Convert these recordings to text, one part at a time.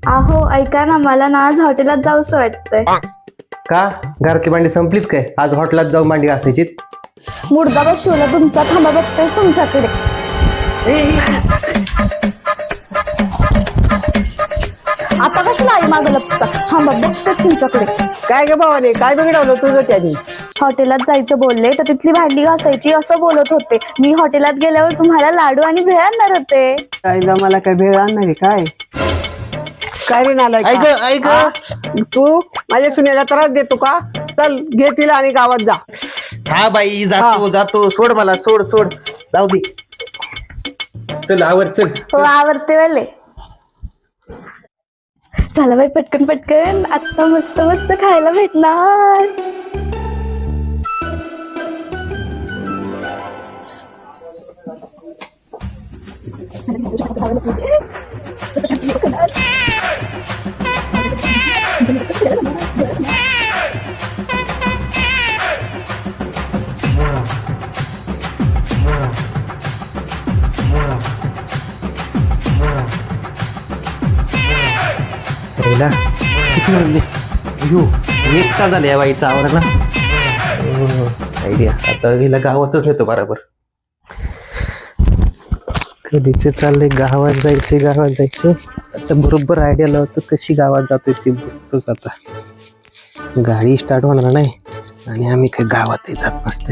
अहो ऐका ना, मला ना आज हॉटेलात जाऊसं वाटतंय. का घरातली भांडी संपलीत काय? आज हॉटेलात जाऊन भांडी घासायची. मुर्दा बसवला तुमचा, थांबा बघतेस तुमच्याकडे. आता कशाला आई मागं लपता? थांबा बघतेस तुमच्याकडे. काय ग भावाने, काय बिघडवलं तुझं त्याने? हॉटेलात जायचं बोलले तर तिथली भांडी घासायची असं बोलत होते. मी हॉटेलात गेल्यावर तुम्हाला लाडू आणि भेळ आणणार होते. कायला मला काय भेळ आणणार आहे काय? काय रे नालायक? ऐक तू माझ्या सुनेला त्रास देतो का? चल घे तिला आणि गावात जा. हा बाई जातो जातो, सोड मला, सोड सोड, जाऊ दे. चल आवर, चल. हो आवडते वाले. झालं बाई, पटकन पटकन, आता मस्त मस्त खायला भेटणार. किती वाजले? एक तास झाले या बाईचा आवरायला. आयडिया, आता हिला गावातच नेतो बरोबर. कधीच चाललंय गावात जायचंय, गावात जायचं. आता बरोबर आयडिया लावतो कशी गावात जातोय ते बघतोच. आता गाडी स्टार्ट होणार नाही आणि आम्ही काही गावातही जात नसते.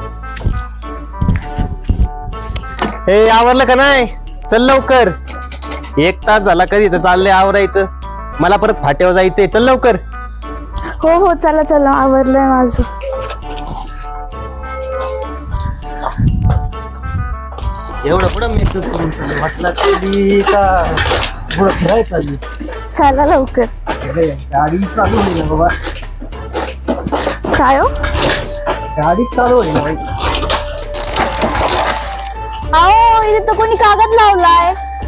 हे आवरलं का नाही? चल लवकर, एक तास झाला कधी तर चाललंय आवरायचं. मला परत फाट्यावर जायचंय, चल लवकर. हो हो चला चला, आवरलंय माझं. एवढं पुढं मी म्हटलं तरी का पुढं फिरायचं. चला लवकर. गाडी चालू होईल ना बाबा, काय हो? गाडी चालू होईल ना. अहो इथे तर कोणी कागद लावलाय.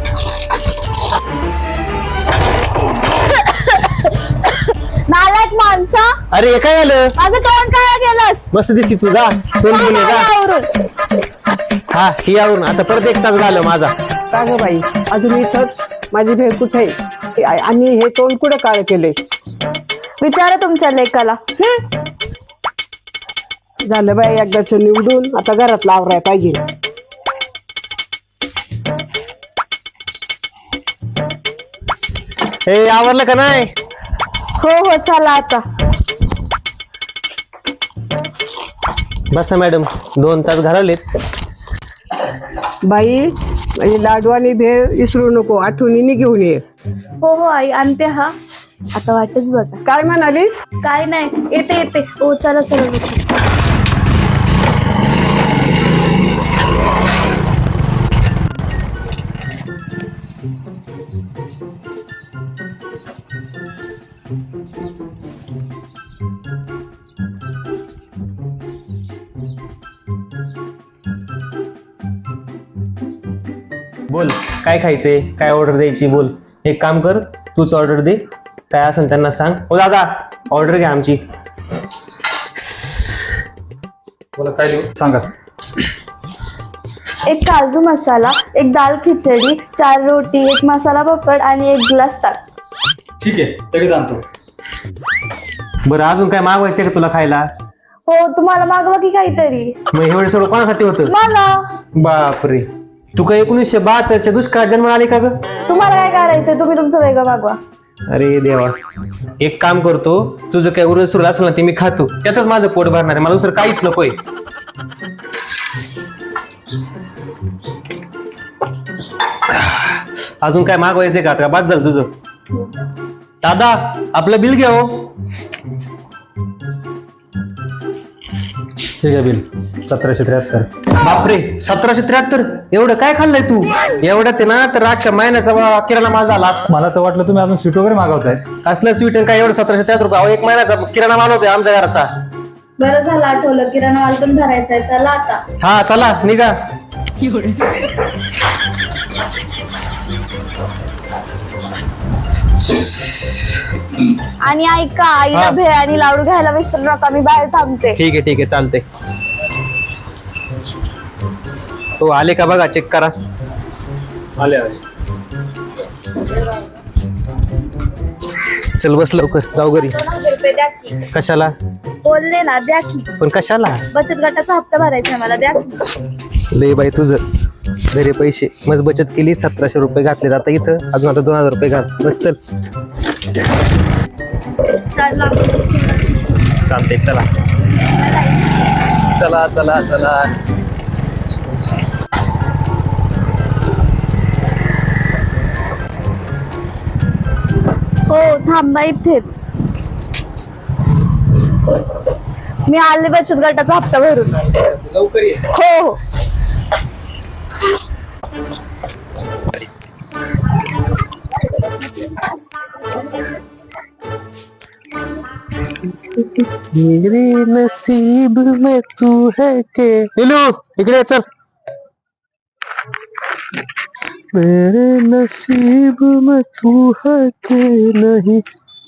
नालायक माणसा. अरे हे काय झालं? माझं तोंड काय केलंस? मस्त दिसती तुझा तोंड घेऊन ये का? हा ही आवरून आता परत एक तास झालं माझा. का ग बाई, अजून इथंच? माझी भेळ कुठे आहे? आणि हे तोंड कुठे काळ केले? विचारा तुमच्या लेकाला. झालं बाई एकदाच निवडून, आता घरात लावराय पाहिजे. हे आवरलं का नाही? हो हो चला आता. बसा मॅडम, 2 तास घालवलेत. बाई म्हणजे लाडू आणि भेळ विसरू नको, आठवणीने घेऊन ये. हो हो आई आणते. हा आता वाटच बघा. काय म्हणालीस? काय नाही, येते येते. हो चला चला. बोल काय खायचंय, काय ऑर्डर द्यायची बोल. एक काम कर, तूच ऑर्डर दे. काय असेल त्यांना सांग. हो दादा ऑर्डर घ्या आमची. बोला काय देऊ सांगा. एक काजू मसाला, एक दाल खिचडी, 4 रोटी, एक मसाला पापड आणि 1 ग्लास ताक. ठीक आहे, लगेच आणतो. बरं अजून काय मागवायचं का तुला खायला? हो तुम्हाला मागवा की काहीतरी. मग हे सगळं कोणासाठी होतं? मला. बापरे, तू काय 1972च्या दुष्काळ जन्म आली का ग? तुम्हाला काय करायचंय? तुम्ही तुमचं वेगळं मागवा. अरे देवा, एक काम करतो, तुझं काय उरत सुरू असेल ना ते मी खातो, त्यातच माझं पोट भरणार आहे. मला दुसरं काहीच नकोय. अजून काय मागवायचंय का? आता बाद झालं तुझं. दादा आपलं बिल घ्या. हो ठीक आहे, बिल 1773. बापरे 1773, एवढं काय खाल्लंय तू? एवढं ते ना तर रातच्या महिन्याचा किराणा माल झाला असता. मला तर वाटलं तुम्ही अजून स्वीट वगैरे मागवताय. असलं स्वीट काय एवढं 1773 रुपये? अहो, 1 महिन्याचा किराणा माल होतोय आमच्या घराचा. बरं झालं आठवलं, किराणा माल पण भरायचाय. चला आता. हा चला निघा. आणि ऐका, आईला भेळ आणि लाडू घ्यायला विसरू नका. मी बाहेर थांबते. ठीक आहे चालते. तो आले का बघा, चेक करा. आले. चल बस लवकर जाऊ घरी. 2,000 रुपये द्या की. कशाला? बोलले ना द्या की. पण कशाला? बचत गटाचा हप्ता भरायचा आहे मला, द्या की. लय बाई तुझं घरी पैसे मग बचत केली 1700 रुपये घातले. आता इथं अजून आता 2000 रुपये घाल. बस चल. चालते चला चला चला चला. हो थांबा इथेच, मी आले बचत गटाचा हप्ता भरून. लवकर ये. हो हो. मेरे नसीब में तू है के. नीलू इकडे चल. मेरे नसीब में तू है के नहीं.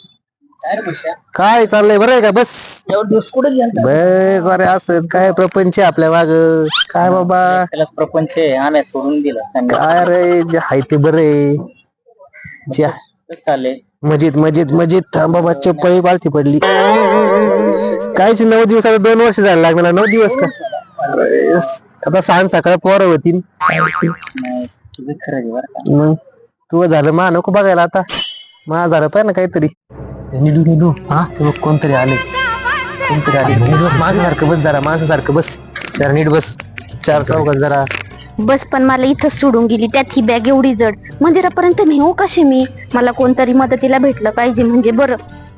काय चाललंय बरं आहे का? बस बस. अरे असं काय प्रपंच आहे आपल्या माग. काय बाबा त्यालाच प्रपंच आहे, आम्ही सोडून दिलं. काय रे जे हाय ते बरं आहे. जे चालेल मजीद मजीद मजीद. थांब बाबा चप्पल पालथी पडली. कायच 9 दिवस आता 2 वर्ष जायला लागणार. 9 दिवस का? अरे, आता सांग सकाळ पोरं होतील. तुझं खरं आहे बरं का. मग तू झालं मा नको बघायला. आता मा झालं पाहिजे ना काहीतरी. निडू निडू हा ते कोणतरी आले. कोणतरी आले. नीट बस माणसासारखं बस. जरा माणसासारखं बस. जरा नीट बस. 4 चौकात जरा बस. पण मला इथं सोडून गेली, त्यात ही बॅग एवढी जड. मंदिरापर्यंत नेऊ कशी मी? मला कोणतरी मदतीला भेटलं पाहिजे म्हणजे बरं.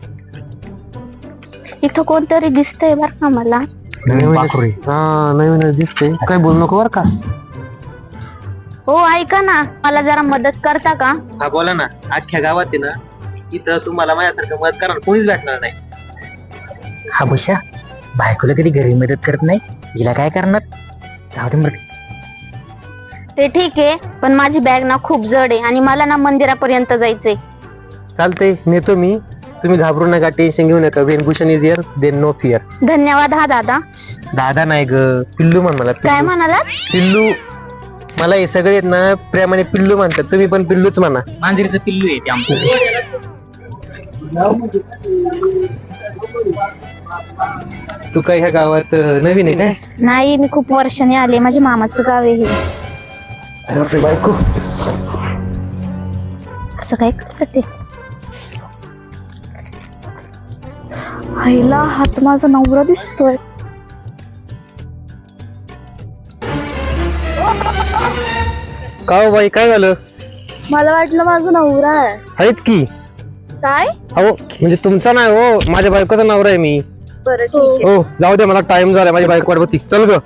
इथं कोणतरी दिसतंय बर का मला. हा नवीन दिसतंय. काय बोलू नको बर का. हो ऐका ना, मला जरा मदत करता का? हा बोला ना. अख्ख्या गावात आहे ना इथं तुम्हाला माझ्यासारखं मदत करणार कोणीच भेटणार नाही. हा बुशा बायकोला कधी घरी मदत करत नाही, हिला काय करणार? जाऊ दे मग. ते ठीक आहे, पण माझी बॅग ना खूप जड आहे आणि मला ना मंदिरापर्यंत जायचंय. चालतंय नेतो मी. तुम्ही घाबरू नका, टेन्शन घेऊ नका. When Bhushan is here then no fear. धन्यवाद हा दादा. दादा नाही ग, पिल्लू म्हण मला. काय म्हणालात? पिल्लू. मला हे सगळे आहेत ना प्रेमाने पिल्लू म्हणतात. तुम्ही पण पिल्लूच म्हणा. मांजरीचं पिल्लू आहे ते आमचं. तू काय ह्या गावात नवीन आहे काय? नाही, मी खूप वर्षांनी आले. माझ्या मामाचं गाव आहे हे. अरे बापरे बायको. असं काय करते? आईला हात माझा नवरा दिसतोय. का हो बाई काय झालं? मला वाटलं माझा नवरा आहे. आहेत की. काय? अहो म्हणजे तुमचा नाही हो, माझ्या बायकोचा नवरा आहे मी. बरं ठीक आहे. हो जाऊ दे, मला टाइम झाला. माझी बायको वाट बघती. चल ग.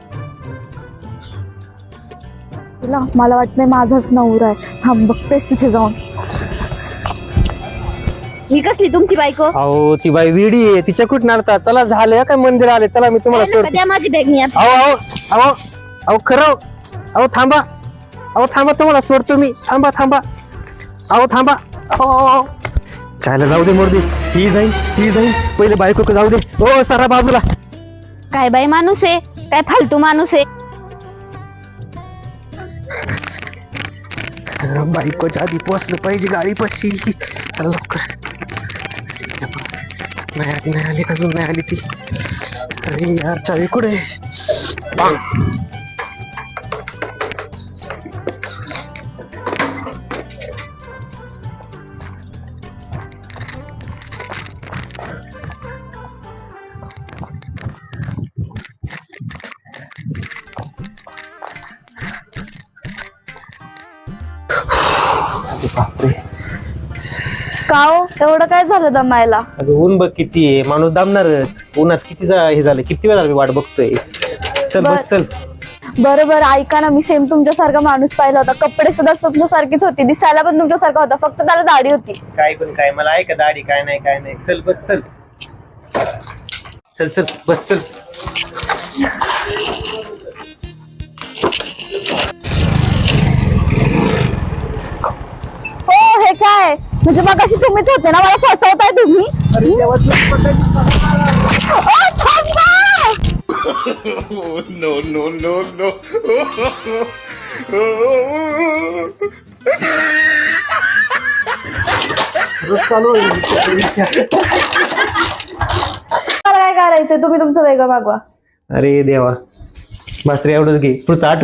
मला वाटतंय माझाच नवरा आहे. थांब बघतेस तिथे जाऊन. ही कसली तुमची बायको? अहो ती बाई वेडी आहे. तिच्या कुठं नाडता. चला झालं काय मंदिर आले. चला मी तुम्हाला सोडते. द्या माझी बॅग. मी आता अहो अहो अहो अहो खरं. अहो थांबा. अहो थांबा, तुम्हाला सोडतो मी. थांबा थांबा. अहो थांबा. अहो चायला जाऊ दे मोरदी. ती जाईल ती जाईल. पहिले बायको जाऊ दे. हो सारा बाजूला. काय बाई माणूस आहे, काय फालतू माणूस आहे. बायकोच्या आधी पोचलं पाहिजे गाडी पाशी. लवकर. नाही आली अजून नाही आली ती. अरे यार चावी कुठे? बापरे. का हो एवढं काय झालं दमायला? अगं ऊन बघ किती आहे. माणूस दामणारच. उन्हात किती हे झालं. किती वेळ झाला मी वाट बघतोय. चल बघ चल. बरं बरं ऐका ना, मी सेम तुमच्यासारखा माणूस पाहिला होता. कपडे सुद्धा तुमच्यासारखीच होती. दिसायला पण तुमच्यासारखा होता, फक्त त्याला दाढी होती. काय पण काय मला आहे का दाढी? काय नाही काय नाही. चल बस चल. चल चल बस चल. हो हे काय म्हणजे मग अशी तुम्हीच होते ना, मला फसवताय तुम्ही. ओ, थांबा! no. मला काय करायचंय तुम्ही तुमचं वेगळं मागवा. अरे देवा बस रे एवढंच घे पुढचं आठ